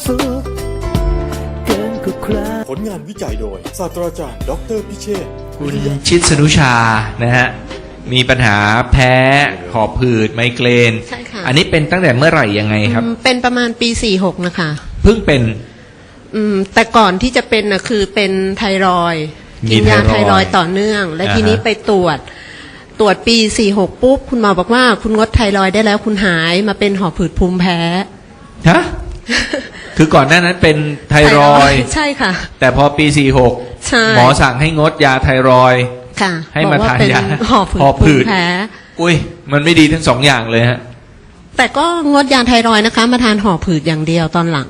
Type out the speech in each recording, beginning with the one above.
สุขเกินกว่าใครผลงานวิจัยโดยศาสตราจารย์ดออเตอร์พิเชษฐ์คุณชิดสนุชานะฮะมีปัญหาแพ้หอบหืดไมเกรนใช่ค่ะอันนี้เป็นตั้งแต่เมื่อไหร่ยังไงครับเป็นประมาณปี46นะคะเพิ่งเป็นแต่ก่อนที่จะเป็นนะคือเป็นไทรอยด์มีกินยาไทไทรอยด์รอยด์ต่อเนื่อง และอ่าฮะทีนี้ไปตรวจปี46ปุ๊บคุณหมอบอกว่าคุณงดไทรอยด์ได้แล้วคุณหายมาเป็นหอบหืดภูมิแพ้ฮะ คือก่อนหน้านั้นเป็นไทรอยด์ใช่ค่ะแต่พอปีใช่ 46 หมอสั่งให้งดยาไทรอยด์ค่ะให้มาบอกว่าทานเป็นยาหอบหอบหืหืดดภูมิแพ้อุ้ยมันไม่ดีทั้งสองอย่างเลยฮะแต่ก็งดยาไทรอยด์นะคะ มาทานหอบหืดอย่างเดียวตอนหลัง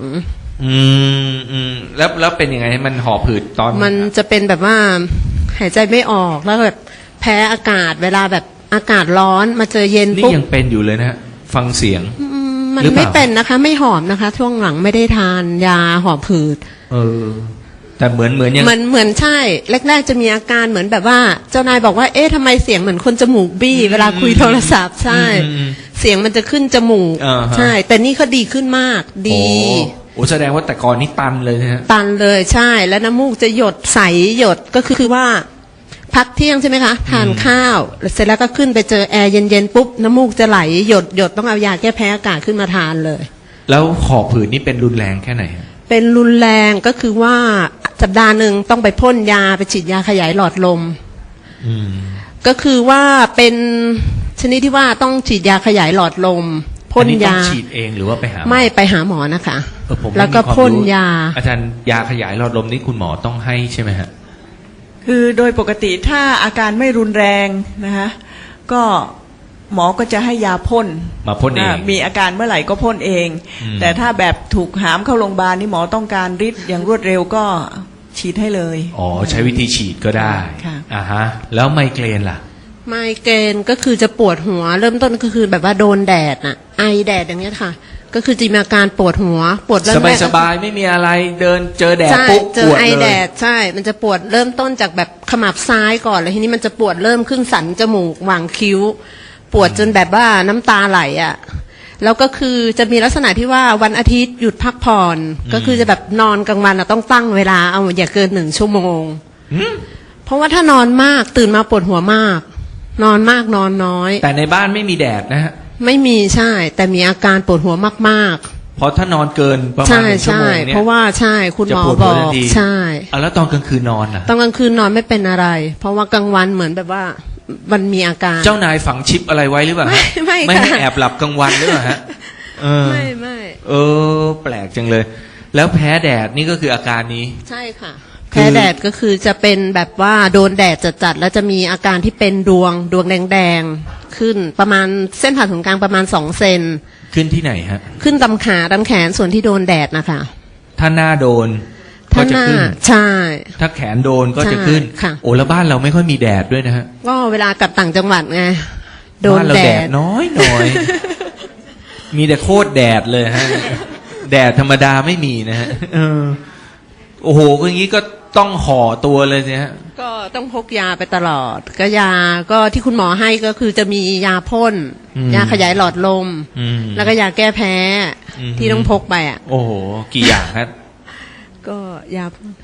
แล้วเป็นยังไงมันหอบหืดตอนมันจะเป็นแบบว่าหายใจไม่ออกแล้วแบบแพ้อากาศเวลาแบบอากาศร้อนมาเจอเย็นนี่ปุ๊บยังเป็นอยู่เลยนะฮะฟังเสียงมันหรือเปล่าไม่เป็นนะคะ ไม่หอมนะคะ ช่วงหลังไม่ได้ทานยาหอบหืดแต่เหมือนยังเหมือนใช่แรกๆจะมีอาการเหมือนแบบว่า เจ้านายบอกว่าเอ๊ะทำไมเสียงเหมือนคนจมูกบี้เวลาคุยโทรศัพท์ใช่ เสียงมันจะขึ้นจมูกอ่าฮะใช่ แต่นี่เขาดีขึ้นมากดีโอ้แสดงว่าแต่ก่อนนี่ตันเลยนะฮะตันเลยใช่ แล้วน้ำมูกจะหยดใสหยดก็คือว่า พักเที่ยงใช่ไหมคะทานข้าวเสร็จแล้วก็ขึ้นไปเจอแอร์เย็นๆปุ๊บน้ำมูกจะไหลหยดต้องเอายาแก้แพ้อากาศขึ้นมาทานเลยแล้วหอบหืดนี่เป็นรุนแรงแค่ไหนฮะเป็นรุนแรงก็คือว่าสัปดาห์หนึ่งต้องไปพ่นยาไปฉีดยาขยายหลอดลม ก็คือว่าเป็นชนิดที่ว่าต้องฉีดยาขยายหลอดลมพ่นอัต้ยาองฉีดเองหรือว่าไปหาหมอไม่ไปหาหมอนะคะผมแล้วก็ไม่มีความพ่นรู้ยาอาจารย์ยาขยายหลอดลมนี่คุณหมอต้องให้ใช่ไหมฮะคือโดยปกติถ้าอาการไม่รุนแรงนะคะก็หมอก็จะให้ยาพ่นมาพ่นเองมีอาการเมื่อไหร่ก็พ่นเอง แต่ถ้าแบบถูกหามเข้าโรงพยาบาลนี่หมอต้องการฤทธิ์อย่างรวดเร็วก็ฉีดให้เลยอ๋อใช้วิธีฉีดก็ได้ค่ะอ่าฮะ แล้วไมเกรนล่ะไมเกรนก็คือจะปวดหัว เริ่มต้นก็คือแบบว่าโดนแดดน่ะไอแดดอย่างเงี้ยค่ะ ก็คือจะมีอาการปวดหัวปวดเริ่มสแรบายกสบายๆไม่มีอะไรเดินเจอแดดใช่ปุ๊บเจปอวดไอเลแดยดใช่ มันจะปวดเริ่มต้นจากแบบขมับซ้ายก่อนเลยทีนี้มันจะปวดเริ่มขึ้นสันจมูกหว่างคิ้ว ปวดจนแบบว่าน้ำตาไหลอ่ะแล้วก็คือจะมีลักษณะที่ว่าวันอาทิตย์หยุดพักผ่อนก็คือจะแบบนอนกลางวันต้องตั้งเวลาเอาอย่าเกิน1 ชั่วโมงเพราะว่าถ้านอนมากตื่นมาปวดหัวมาก นอนมากนอนน้อยแต่ในบ้านไม่มีแดดนะฮะไม่มีใช่ แต่มีอาการปวดหัวมากเพราะถ้านอนเกินประๆมาณใช่ 1 ชั่วใช่โมงเนี่ยเพราะว่าใช่คุณหมอจะปวดบหัวอทักนทีใช่แล้วตอนกลางคืนนอนล่ะตอนกลางคืนนอนไม่เป็นอะไร เพราะว่ากลางวันเหมือนแบบว่ามันมีอาการเจ้านายฝังชิปอะไรไว้หรือเปล่าฮะไม่ไม่ให้ค่ะแอบหลับกลางวันหรือเปล่าฮะเออไม่แปลกจังเลย แล้วแพ้แดดนี่ก็คืออาการนี้ใช่ค่ะคือแพ้แดดก็คือจะเป็นแบบว่าโดนแดดจัดๆแล้วจะมีอาการที่เป็นดวงแดงๆขึ้นประมาณเส้นผ่าศูนย์กลางประมาณ2 เซนขึ้นที่ไหนฮะขึ้นตำขาตำแขนส่วนที่โดนแดดนะคะถ้าหน้าโดนก็ถ้าจะหน้าขึ้นใช่ถ้าแขนโดนก็จะขึ้นใช่ค่ะโอ้แล้วบ้านเราไม่ค่อยมีแดดด้วยนะฮะก็เวลากลับต่างจังหวัดไงโดนบ้านเราแดแดดดน้อย มีแต่โคตรแดดเลยฮะ แดดธรรมดาไม่มีนะฮะโอ้โหก็อย่างนี้ก็ต้องห่อตัวเลยสิฮะก็ต้องพกยาไปตลอด ก็ยาก็ที่คุณหมอให้ก็คือจะมียาพ่นยาขยายหลอดลม แล้วก็ยาแก้แพ้ที่ต้องพกไปอ่ะโอ้โหกี่อย่างฮะก็ยา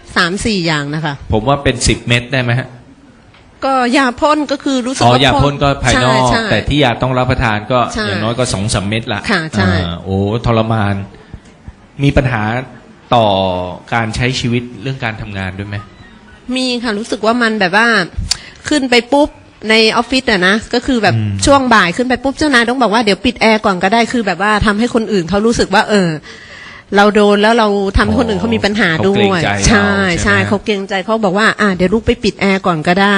3-4 อย่างนะคะผมว่าเป็น10 เม็ดได้ไหมฮะก็ยาพ่นก็คือรู้สึกอ๋อว่ายาพ่นก็ภายนอกใช่แต่ที่ยาต้องรับประทานก็ใช่อย่างน้อยก็2-3 เม็ดละค่ะใช่โอ้ทรมาน มีปัญหาต่อการใช้ชีวิตเรื่องการทำงานด้วยไหมมีค่ะรู้สึกว่ามันแบบว่าขึ้นไปปุ๊บในออฟฟิศอะนะก็คือแบบช่วงบ่ายขึ้นไปปุ๊บเจ้านายต้องบอกว่าเดี๋ยวปิดแอร์ก่อนก็ได้คือแบบว่าทำให้คนอื่นเขารู้สึกว่าเราโดนแล้วเราทำให้คนอื่นเขามีปัญหาด้วยใช่ใช่เขาเกรงใจเขาบอกว่าเดี๋ยวลูกไปปิดแอร์ก่อนก็ได้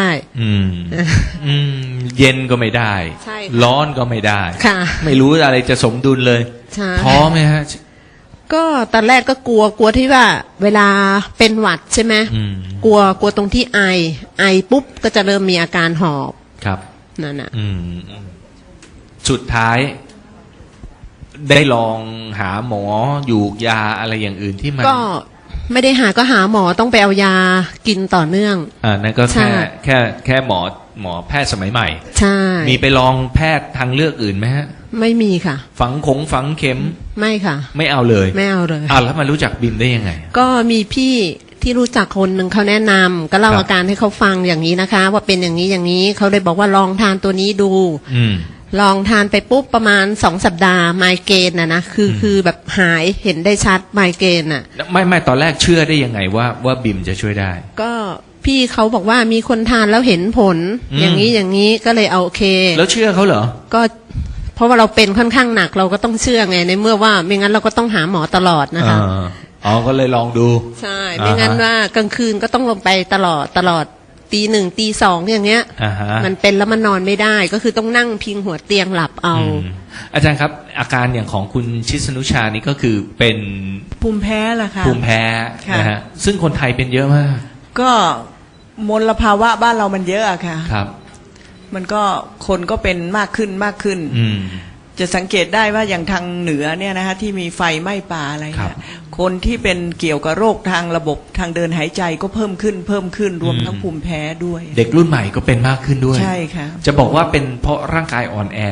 เย็นก็ไม่ได้ใช่ค่ะร้อนก็ไม่ได้ค่ะไม่รู้อะไรจะสมดุลเลยใช่ท้อไหมฮะก็ตอนแรกก็กลัวที่ว่า เวลาเป็นหวัดใช่ไหมกลัวตรงที่ไอปุ๊บก็จะเริ่มมีอาการหอบครับนั่นน่ะสุดท้าย ได้ลองหาหมออยู่ยาอะไรอย่างอื่นที่มันก็ไม่ได้หาก็หาหมอต้องไปเอายากินต่อเนื่องนั่นก็ใช่แค่หมอหมอแพทย์สมัยใหม่ใช่มีไปลองแพทย์ทางเลือกอื่นไหมฮะไม่มีค่ะฝังเข็มไม่ค่ะไม่เอาเลยไม่เอาเลยแล้วมารู้จักบิมได้ยังไงก็มีพี่ที่รู้จักคนหนึ่งเขาแนะนำก็เล่าครับอาการให้เขาฟังอย่างนี้นะคะ ว่าเป็นอย่างนี้อย่างนี้เขาเลยบอกว่าลองทานตัวนี้ดูอืมลองทานไปปุ๊บประมาณ2 สัปดาห์ไมเกรนนะคือแบบหายเห็นได้ชัดไมเกรนอ่ะไม่ตอนแรกเชื่อได้ยังไงว่าบิมจะช่วยได้ก็พี่เขาบอกว่ามีคนทานแล้วเห็นผลอืมอย่างนี้ก็เลยเอาโอเคแล้วเชื่อเขาเหรอก็เพราะว่าเราเป็นค่อนข้างหนักเราก็ต้องเชื่อไงในเมื่อว่าไม่งั้นเราก็ต้องหาหมอตลอดนะคะก็เลยลองดูใช่ไม่งั้นว่ากลางคืนก็ต้องลงไปตลอดตี 1 ตี 2อย่างเงี้ยอ่าฮะมันเป็นแล้วมันนอนไม่ได้ก็คือต้องนั่งพิงหัวเตียงหลับเอาอาจารย์ครับ อาการอย่างของคุณชิสนุชานี่ก็คือเป็นภูมิแพ้ล่ะค่ะภูมิแพ้ค่ะนะฮะซึ่งคนไทยเป็นเยอะมากก็มลภาวะบ้านเรามันเยอะอะค่ะครับมันก็คนก็เป็นมากขึ้นอืมจะสังเกตได้ว่าอย่างทางเหนือเนี่ยนะคะที่มีไฟไหม้ป่าอะไรครัเนี่ยบคนที่เป็นเกี่ยวกับโรคทางระบบทางเดินหายใจก็เพิ่มขึ้นรวมทั้งภูมิแพ้ด้วยเด็กรุ่นใหม่ก็เป็นมากขึ้นด้วยใช่ค่ะจะบอกว่าเป็นเพราะร่างกายอ่อนแอ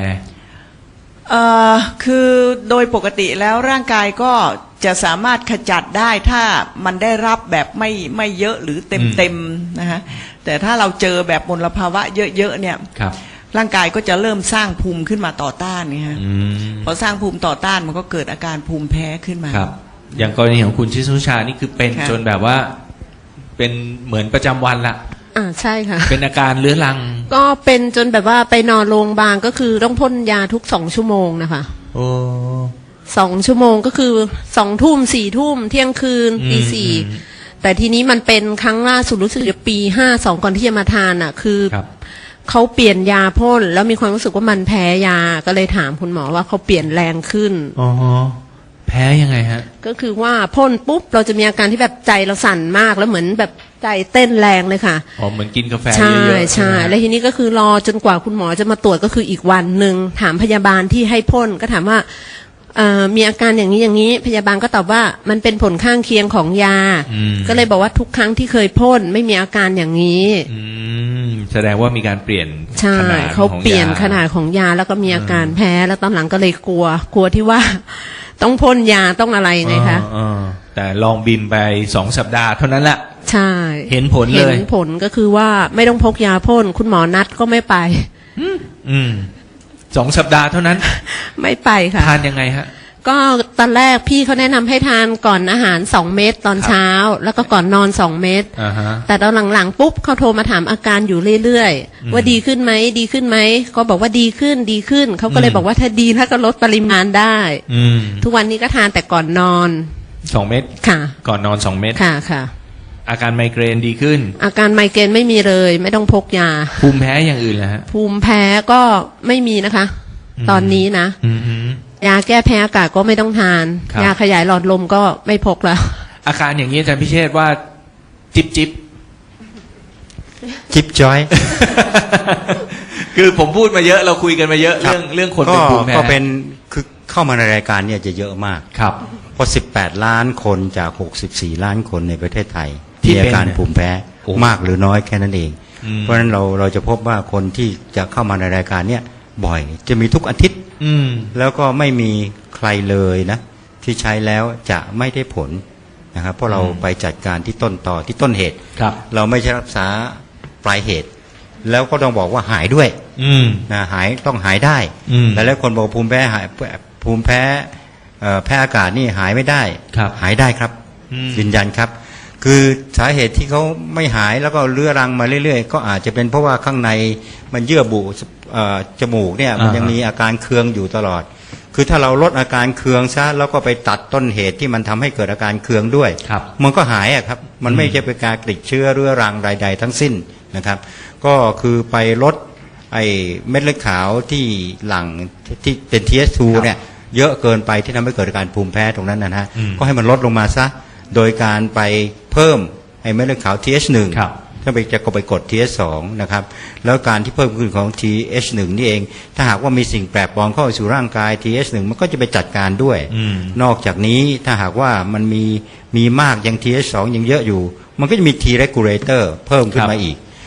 คือโดยปกติแล้วร่างกายก็จะสามารถขจัดได้ถ้ามันได้รับแบบไม่เยอะหรือเต็มนะฮะแต่ถ้าเราเจอแบบมลภาวะเยอะๆเนี่ยครับร่างกายก็จะเริ่มสร้างภูมิขึ้นมาต่อต้านเนี่ยฮะอืมพอสร้างภูมิต่อต้านมันก็เกิดอาการภูมิแพ้ขึ้นมาครับ อย่างกรณีของคุณชิสนุชานี่คือเป็นค่ะจนแบบว่า เป็นเหมือนประจำวันละใช่ค่ะเป็นอาการเรื้อรังก็เป็นจนแบบว่าไปนอนโรงพยาบาลก็คือต้องพ่นยาทุก2 ชั่วโมงนะคะโอ้ 2 ชั่วโมงก็คือ2 ทุ่ม4 ทุ่มเที่ยงคืนตี 4แต่ทีนี้มันเป็นครั้งล่าสุดรู้สึกจะปี 52ก่อนที่จะมาทานอ่ะคือครับเขาเปลี่ยนยาพ่นแล้วมีความรู้สึกว่ามันแพ้ยาก็เลยถามคุณหมอว่าเขาเปลี่ยนแรงขึ้นอ๋อ แพ้ยังไงฮะก็คือว่าพ่นปุ๊บเราจะมีอาการที่แบบใจเราสั่นมากแล้วเหมือนแบบใจเต้นแรงเลยค่ะอ๋อ เหมือนกินกาแฟใช่เยอะๆใช่ไหมแล้วทีนี้ก็คือรอจนกว่าคุณหมอจะมาตรวจก็คืออีกวันหนึ่งถามพยาบาลที่ให้พ่นก็ถามว่ามีอาการอย่างนี้พยาบาลก็ตอบว่ามันเป็นผลข้างเคียงของยา ก็เลยบอกว่าทุกครั้งที่เคยพ่นไม่มีอาการอย่างนี้แสดงว่ามีการเปลี่ยนใช่ขนาดเขาของเปลี่ยนยขนาดของยาแล้วก็มีอาการแพ้แล้วตอนหลังก็เลยกลัวที่ว่า ต้องพ่นยาต้องอะไรไงคะแต่ลองบิมไป2 สัปดาห์เท่านั้นแหละใช่เห็นผลเลยเห็นผลก็คือว่าไม่ต้องพกยาพ่นคุณหมอนัดก็ไม่ไป 2 สัปดาห์เท่านั้นไม่ไปค่ะทานยังไงฮะก็ตอนแรกพี่เขาแนะนำให้ทานก่อนอาหาร2 เม็ดตอนเช้า แล้วก็ก่อนนอน2 เม็ดอ่าฮะแต่ตอนหลังๆปุ๊บเขาโทรมาถามอาการอยู่เรื่อยๆว่าดีขึ้นไหมก็บอกว่าดีขึ้นเขาก็เลยบอกว่าถ้าดีถ้าก็ลดปริมาณได้ ทุกวันนี้ก็ทานแต่ก่อนนอน 2 เม็ดค่ะก่อนนอน2 เม็ดค่ะอาการไมเกรนดีขึ้นอาการไมเกรนไม่มีเลยไม่ต้องพกยาภูมิแพ้อย่างอื่นแล้วฮะภูมิแพ้ก็ไม่มีนะคะ ตอนนี้นะ ยาแก้แพ้อากาศก็ไม่ต้องทานครับยาขยายหลอดลมก็ไม่พกแล้วอาการอย่างนี้อาจารย์พิเชษว่าจิบจิ๊บจอยคือผมพูดมาเยอะเราคุยกันมาเยอะเรื่องคนเป็นภูมิแพ้ก็เป็นคือเข้ามาในรายการเนี่ยจะเยอะมากครับเพราะ18 ล้านคนจาก 64 ล้านคนในประเทศไทยที่มีเป็นอาการภูมิแพ้โอ้มากหรือน้อยแค่นั้นเอง เพราะฉะนั้นเราจะพบว่าคนที่จะเข้ามาในรายการเนี่ยบ่อยจะมีทุกอาทิตย์ แล้วก็ไม่มีใครเลยนะ ที่ใช้แล้วจะไม่ได้ผลนะครับเพราะเราไปจัดการที่ต้นต่อที่ต้นเหตุครับเราไม่ใช่รักษาปลายเหตุ แล้วก็ต้องบอกว่าหายด้วยนะต้องหายได้ แต่แล้วคนบอกภูมิแพ้แพ้อากาศนี่หายไม่ได้ครับหายได้ครับยืนยันครับ คือสาเหตุที่เขาไม่หายแล้วก็เรื้อรังมาเรื่อยๆ ก็อาจจะเป็นเพราะว่าข้างในมันเยื่อบุจมูกเนี่ยมันยังมีอาการเคืองอยู่ตลอด คือถ้าเราลดอาการเคืองซะแล้วก็ไปตัดต้นเหตุที่มันทำให้เกิดอาการเคืองด้วยครับมันก็หายอะครับมันไม่ใช่เป็นการติดเชื้อเรื้อรังใดๆทั้งสิ้นนะครับ ก็คือไปลดไอ้เม็ดเลือดขาวที่หลั่งที่เป็น TH2 เนี่ยเยอะเกินไปที่ทำให้เกิดอาการภูมิแพ้ตรงนั้นนะฮะก็ให้มันลดลงมาซะโดยการไปเพิ่มไอ้เม็ดเลือดขาว TH1 ครับถ้าไปจะก็ไปกด TH2 นะครับแล้วการที่เพิ่มขึ้นของ TH1 นี่เองถ้าหากว่ามีสิ่งแปลกปลอมเข้าสู่ร่างกาย TH1 มันก็จะไปจัดการด้วยนอกจากนี้ถ้าหากว่ามันมีมากยัง TH2 ยังเยอะอยู่มันก็จะมี T regulator เพิ่มขึ้นมาอีก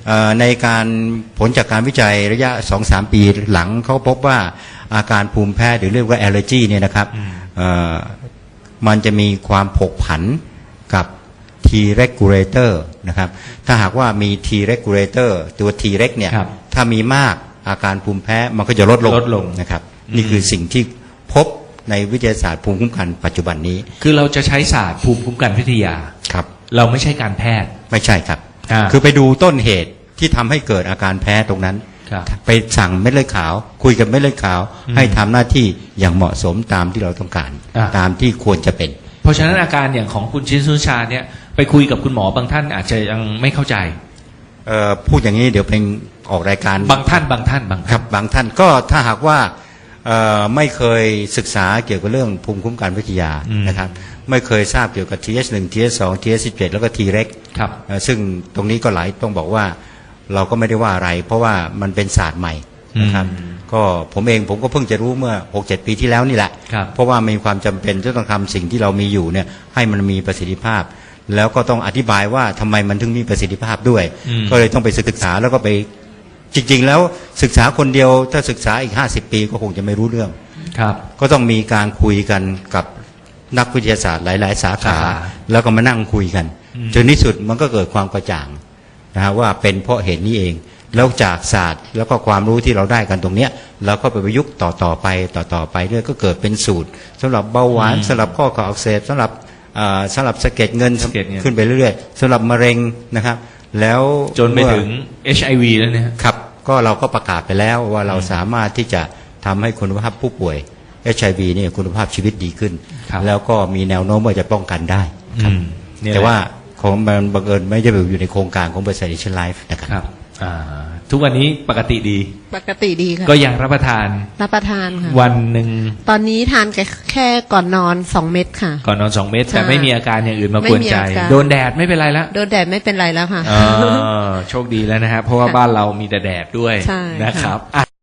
ในการผลจากการวิจัยระยะ 2-3 ปีหลังเขาพบว่าอาการภูมิแพ้หรือเรียกว่า allergy เนี่ยนะครับมันจะมีความผกผันกับ T regulator นะครับถ้าหากว่ามี T regulator ตัว T reg เนี่ยครับถ้ามีมากอาการภูมิแพ้มันก็จะลดลงนะครับนี่คือสิ่งที่พบในวิทยาศาสตร์ภูมิคุ้มกันปัจจุบันนี้คือเราจะใช้ศาสตร์ภูมิคุ้มกันวิทยาครับเราไม่ใช่การแพทย์ไม่ใช่ครับคือไปดูต้นเหตุที่ทำให้เกิดอาการแพ้ตรงนั้นครับไปสั่งเม็ดเลือดขาว คุยกับเม็ดเลือดขาว ให้ทำหน้าที่อย่างเหมาะสมตามที่เราต้องการ ตามที่ควรจะเป็นเพราะฉะนั้นอาการอย่างของคุณชินสุชาเนี่ยไปคุยกับคุณหมอบางท่านอาจจะยังไม่เข้าใจพูดอย่างนี้เดี๋ยวเป็นออกรายการบางท่านครับบางท่านก็ถ้าหากว่าไม่เคยศึกษาเกี่ยวกับเรื่องภูมิคุ้มกันวิทยานะครับไม่เคยทราบเกี่ยวกับ TH1 TH2 TH17 แล้วก็ T-REG ครับซึ่งตรงนี้ก็ต้องบอกว่าเราก็ไม่ได้ว่าอะไร เพราะว่ามันเป็นศาสตร์ใหม่นะครับก็ผมก็เพิ่งจะรู้เมื่อ 6-7 ปีที่แล้วนี่แหละครับเพราะว่ามีความจำเป็นที่ต้องทำสิ่งที่เรามีอยู่เนี่ยให้มันมีประสิทธิภาพ แล้วก็ต้องอธิบายว่าทำไมมันถึงมีประสิทธิภาพด้วย ก็เลยต้องไปศึกษาแล้วก็ไปจริงๆแล้วศึกษาคนเดียวถ้าศึกษาอีก50 ปีก็คงจะไม่รู้เรื่องครับก็ต้องมีการคุยกันกับนักวิทยาศาสตร์หลายๆสาขา แล้วก็มานั่งคุยกันจนที่สุดมันก็เกิดความกระจ่างนะฮะว่าเป็นเพราะเหตุนี้เองแล้วจากศาสตร์แล้วก็ความรู้ที่เราได้กันตรงเนี้ยเราก็ไปประยุกต์ต่อไปเรื่อยก็เกิดเป็นสูตรสำหรับเบาหวานสำหรับข้อเข่าอักเสบสำหรับสะเก็ดเงินขึ้นไปเรื่อยๆสำหรับมะเร็งนะครับแล้วจนไปถึง HIV แล้วเนี่ยครับก็เราก็ประกาศไปแล้วว่าเราสามารถที่จะทำให้คุณภาพผู้ป่วย HIV เนี่ยคุณภาพชีวิตดีขึ้นครับแล้วก็มีแนวโน้มว่าจะป้องกันได้ครับนี่แหละแต่ว่าของมันบังเอิญไม่ได้อยู่ในโครงการของบริษัท Asian Life นะครับครับทุกวันนี้ปกติดีปกติดีค่ะก็ยังรับประทานรับประทานค่ะวันหนึ่ง ตตอนนี้ทานแค่ก่อนนอน2 เม็ดค่ะก่อนนอน2 เม็ดใช่แต่ไม่มีอาการอย่างอื่นมากวนใจไม่มีอาการโดนแดดไม่เป็นไรแล้วโดนแดดไม่เป็นไรแล้วค่ะโชคดีแล้วนะครับเพราะว่าค่ะบ้านเรามีแต่แดดด้วยใช่นะครับค่ะ